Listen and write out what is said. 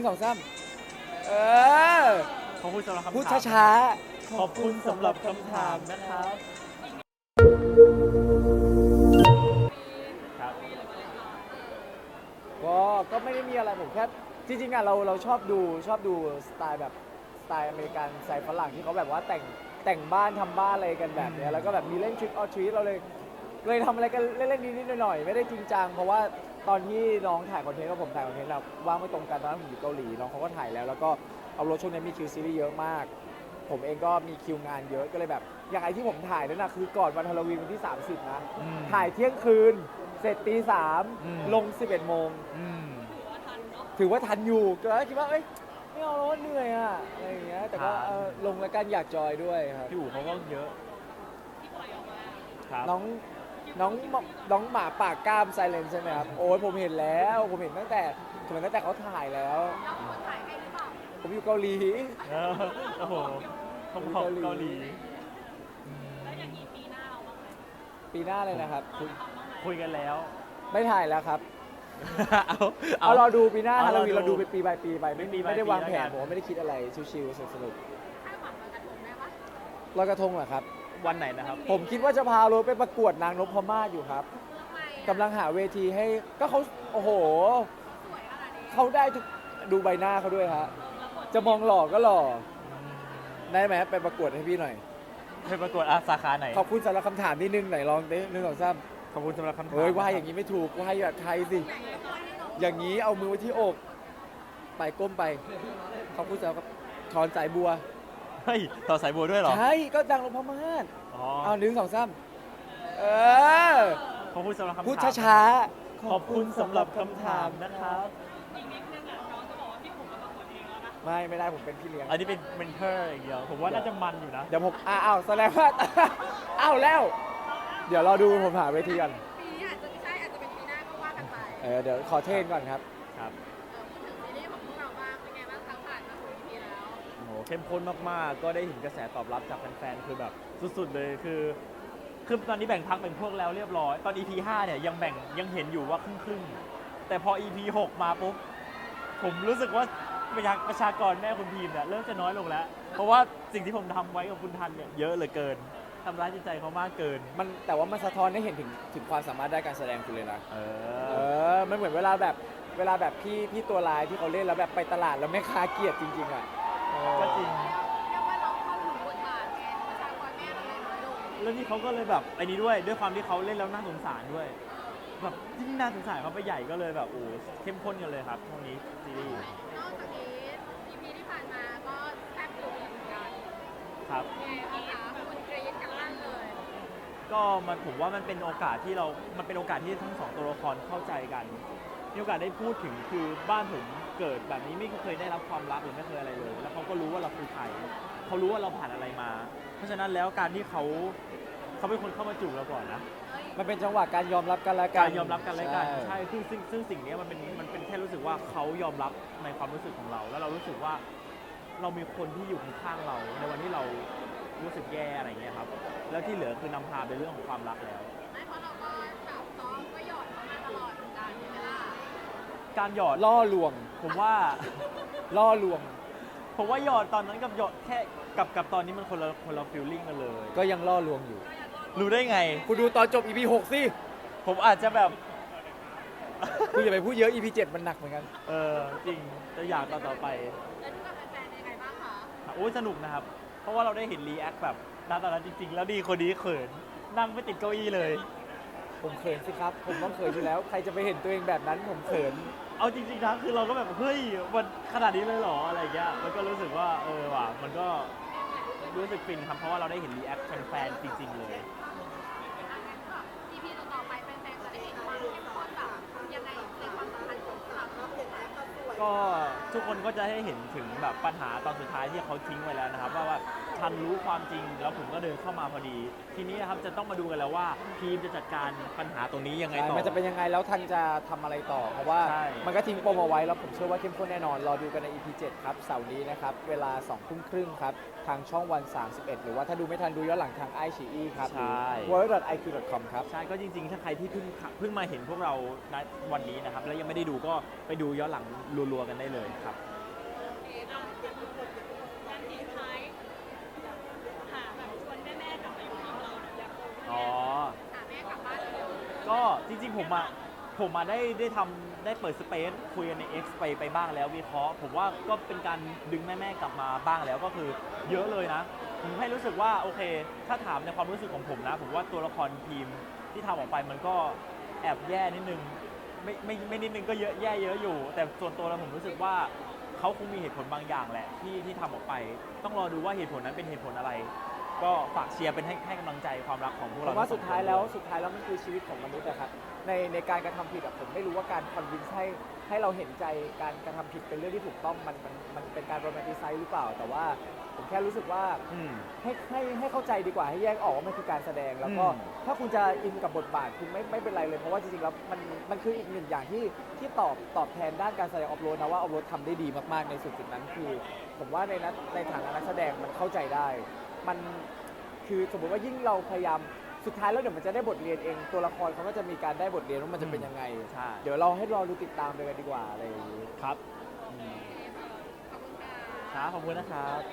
สองสามเออขอบคุณสำหรับคำถามพูดช้าขอบคุณสำหรับคำถามนะครับครับก็ไม่ได้มีอะไรผมแค่จริงๆอ่ะเราชอบดูสไตล์แบบสไตล์อเมริกันสไตล์ฝรั่งที่เขาแบบว่าแต่งบ้านทำบ้านอะไรกันแบบเนี้ยแล้วก็แบบมีเล่นทริคออทรีตเราเลยทำอะไรกันเล่นๆนิดๆหน่อยๆไม่ได้จริงจังเพราะว่าตอนที่น้องถ่ายคอนเทนต์กับผมถ่ายคอนเทนต์เราว่างไม่ตรงกันตอนนั้นผมอยู่เกาหลีน้องเขาก็ถ่ายแล้วก็เอารถช่วงนี้มีคิวซีรีส์เยอะมาก ผมเองก็มีคิวงานเยอะก็เลยแบบอย่างไอที่ผมถ่ายนั่นนะคือก่อนวันฮาโลวีนวันที่ 30 นะ ถ่ายเที่ยงคืนเสร็จตีสามลง 11 โมงถือว่าทันอยู่ก็คิดว่าเอ้ยไม่เอาแล้วเหนื่อยอะอะไรอย่างเงี้ยแต่ก็ลงแล้วกันอยากจอยด้วยครับพี่อู๋เขาก็เยอะครับน้องหมาปากกล้ามไซเลนใช่ไหมครับ โอ้ยผมเห็นแล้วผมเห็นตั้งแต่เขาถ่ายแล้วผมอยู่เกาหลีเออโอ้โหผมขอบเกาหลีปีหน้าเลยนะครับคุยกันแล้วไม่ถ่ายแล้วครับเอาเอารอดูปีหน้าเอาฮาโลวีนรอดูเราดูไปปีbyปีไปไม่ปี by ได้วางปีแผแล้วกันนผมว่าไม่ได้คิดอะไรชิวๆสนุกๆลอยกระทงเหรอครับวันไหนนะครับผมคิดว่าจะพาโรถไปประกวดนางนพมาศอยู่ครับกำลังหาเวทีให้ก็เขาโอ้โหเขาได้ทุกดูใบหน้าเขาด้วยฮะจะมองหล่อก็หล่อได้ไหมไปประกวดให้พี่หน่อยไปประกวดสาขาไหนขอบคุณสำหรับคำถามนิดนึงไหนลองดิหนึ่งสองสามขอบคุณสำหรับคำถามเฮ้ยว่าอย่างนี้ไม่ถูกว่าแบบไทยสิอย่างนี้เอามือไว้ที่อกไปก้มไปขอบคุณสำหรับถอนสายบัวเฮ้ยต่อสายบัวด้วยเหรอใช่ก็ดังนพมาศอ๋อเอาหนึ่งสองสามเออขอบคุณสำหรับคำถามพูดช้าๆขอบคุณสำหรับคำถามนะครับไม่ได้ผมเป็นพี่เลี้ยงอันนี้เป็นเมนเทอร์อย่างเดียว ผมว่าน่าจะมันอยู่นะเดี๋ยวผมอ้าวแสดงว่า อ้าวแล้ว เดี๋ยวรอดูผมหาเวทีก่อนปีนี้อาจจะไม่ใช่อาจจะเป็นปีหน้าก็ว่ากันไปเดี๋ยวขอเทรนก่อนครับครับพูดถึงซีรีส์ของพวกเราบ้างเป็นไงบ้างคะผ่านมาถึง EP แล้วโอ้โหเข้มข้นมากๆ ก็ได้เห็นกระแสตอบรับจากแฟนๆ คือแบบสุดๆ เลยคือตอนนี้แบ่งพักแบ่งพวกแล้วเรียบร้อย ตอน EP 5 เนี่ยยังเห็นอยู่ว่าครึ่งๆ แต่พอ EP 6 มาปุ๊บ ผมรู้สึกว่าประชากรแม่คุณพีมเนี่ยเริ่มจะน้อยลงแล้ว เพราะว่าสิ่งที่ผมทำไว้กับคุณทันเนี่ยเยอะเหลือเกินทำร้ายจิตใจเขามากเกินแต่ว่ามันสะท้อนให้เห็นถึงความสามารถด้านการแสดงคุณเลยนะเอมันเหมือนเวลาแบบพี่ตัวลายที่เขาเล่นแล้วแบบไปตลาดแล้วแม่ค้าเกลียดจริงๆอ่ะก็จริงเรียกว่าเราเข้าถึงบทบาทไงประชากรแม่เราเลยน้อยลงแล้วนี่เขาก็เลยแบบไอ้นี้ด้วยความที่เขาเล่นแล้วน่าสงสารด้วยแบบยิ่งน่าสงสารเขาไปใหญ่ก็เลยแบบโอ้เข้มข้นกันเลยครับช่วงนี้ซีรีส์นอกจากนี้ EP ที่ผ่านมาก็แทบถูกเหมือนกันครับไงบ้างคะคุณกรี๊ดกันลั่นเลยก็ผมว่ามันเป็นโอกาสที่มันเป็นโอกาสที่ทั้งสองตัวละครเข้าใจกันมีโอกาสได้พูดถึงคือบ้านผมเกิดแบบนี้ไม่เคยได้รับความรักหรือไม่เคยอะไรเลย แล้วเขาก็รู้ว่าเราคือใครเขารู้ว่าเราผ่านอะไรมา เพราะฉะนั้นแล้วการที่เขาเป็นคนเข้ามาจูบเราก่อนนะมันเป็นจังหวะการยอมรับกันและกันการยอมรับกันและกันใช่ใช่ซึ่งสิ่งนี้มันเป็นแค่รู้สึกว่าเขายอมรับในความรู้สึกของเรา แล้วเรารู้สึกว่าเรามีคนที่อยู่ข้างๆเราในวันที่เรารู้สึกแย่อะไรอย่างเงี้ยครับแล้วที่เหลือคือนำพาไปเรื่องของความรักแล้วไม่เพราะเราก็แบบซ้อมก็หยอดเขามาตลอดเหมือนกันใช่ไหมล่ะการหยอดล่อลวงผมว่าล่อลวงผมว่าหยอดตอนนั้นกับหยอดแค่กับตอนนี้มันคนละฟีลลิ่งกันเลยก็ยังล่อลวงอยู่รู้ได้ไงคุณดูตอนจบ EP 6 สิผมอาจจะแบบคุณอย่าไปพูดเยอะ EP 7 มันหนักเหมือนกันจริงจะอยากต่อไปแล้วดูกับแฟนๆยังไงบ้างคะโอ้ยสนุกนะครับ เพราะว่าเราได้เห็นรีแอคแบบณตอนนั้นจริงๆ แล้วดีคนนี้เขินนั่งไม่ติดเก้าอี้เลยผมเขินสิครับ ผมต้องเขินอยู่แล้ว ใครจะไปเห็นตัวเองแบบนั้นผมเขินเอาจริงๆนะคือเราก็แบบเฮ้ยมันขนาดนี้เลยเหรออะไรเงี้ยมันก็รู้สึกว่าว่ะมันก็รู้สึกฟินครับเพราะว่าเราได้เห็นรีแอคแฟนๆจริงๆเลย EP ต่อๆไปแฟนๆจะได้เห็นความเข้มข้นแบบยังไงในความสัมพันธ์ของเราก็ทุกคนก็จะให้เห็นถึงแบบปัญหาตอนสุดท้ายที่เขาทิ้งไว้แล้วนะครับว่าทันรู้ความจริงแล้วผมก็เดินเข้ามาพอดี ทีนี้นะครับจะต้องมาดูกันแล้วว่าทีมจะจัดการปัญหาตรงนี้ยังไงต่อมันจะเป็นยังไงแล้วทันจะทำอะไรต่อ เพราะว่าใช่มันก็ทิ้งปมเอาไว้แล้วผมเชื่อว่าเข้มข้นแน่นอน รอดูกันใน EP 7 ครับ เสาร์นี้นะครับ เวลา 20:30 ครับ ทางช่องวัน 31 หรือว่าถ้าดูไม่ทันดูย้อนหลังทาง iQIYI ครับใช่ world.iq.com ครับใช่ก็จริงๆ ถ้าใครที่เพิ่งมาเห็นพวกเราณวันนี้นะครับแล้วยังไม่ได้ดูก็ไปดูย้อนหลังรัวๆกันได้เลยครับการทิ้งท้ายหาแบบชวนแม่ๆกลับมาอยู่ทีมเราอยากอ๋อหาแม่กลับบ้านเร็วก็จริงๆผมได้เปิดสเปซคุยกันใน X ไปบ้างแล้ววิเคราะห์ผมว่าก็เป็นการดึงแม่ๆกลับมาบ้างแล้วก็คือเยอะเลยนะ ผมให้รู้สึกว่าโอเค ถ้าถามในความรู้สึกของผมนะ ผมว่าตัวละครทีมที่ทำออกไปมันก็แอบแย่นิดนึงไม่นิดนึงก็เยอะแย่เยอะอยู่ แต่ส่วนตัวแล้วผมรู้สึกว่าเขาคงมีเหตุผลบางอย่างแหละที่ทำออกไป ต้องรอดูว่าเหตุผลนั้นเป็นเหตุผลอะไร ก็ฝากเชียร์เป็นให้กำลังใจความรักของพวกผเรามว่าทั้งสุองดคนท้ายแล้วด้วยสุดท้ายแล้วมันคือชีวิตของมนุษย์นะครับในการกระทำผิดอะผมไม่รู้ว่าการคอนวินส์ให้เราเห็นใจการกระทำผิดเป็นเรื่องที่ถูกต้องมันเป็นการโรแมนติไซส์หรือเปล่า แต่ว่าผมแค่รู้สึกว่าอืมให้เข้าใจดีกว่าให้แยกออกว่ามันคือการแสดงแล้วก็อืมถ้าคุณจะอินกับบทบาทคุณไม่เป็นไรเลยเพราะว่าจริงๆแล้วมันคืออีกหนึ่งอย่างที่ตอบแทนด้านการแสดงออฟโรดนะว่าออฟโรดทำได้ดีมากๆในจุดนั้นคือ ผมว่าในฐานะนักแสดงมันเข้าใจได้มันคือสมมติว่ายิ่งเราพยายามสุดท้ายแล้วเดี๋ยวมันจะได้บทเรียนเองตัวละครเขาก็จะมีการได้บทเรียนว่ามันจะเป็นยังไงใช่เดี๋ยวเราให้รอดูติดตามไปกันดีกว่าอะไรอย่างนี้ครับๆขอบคุณค่ะครับขอบคุณนะครับ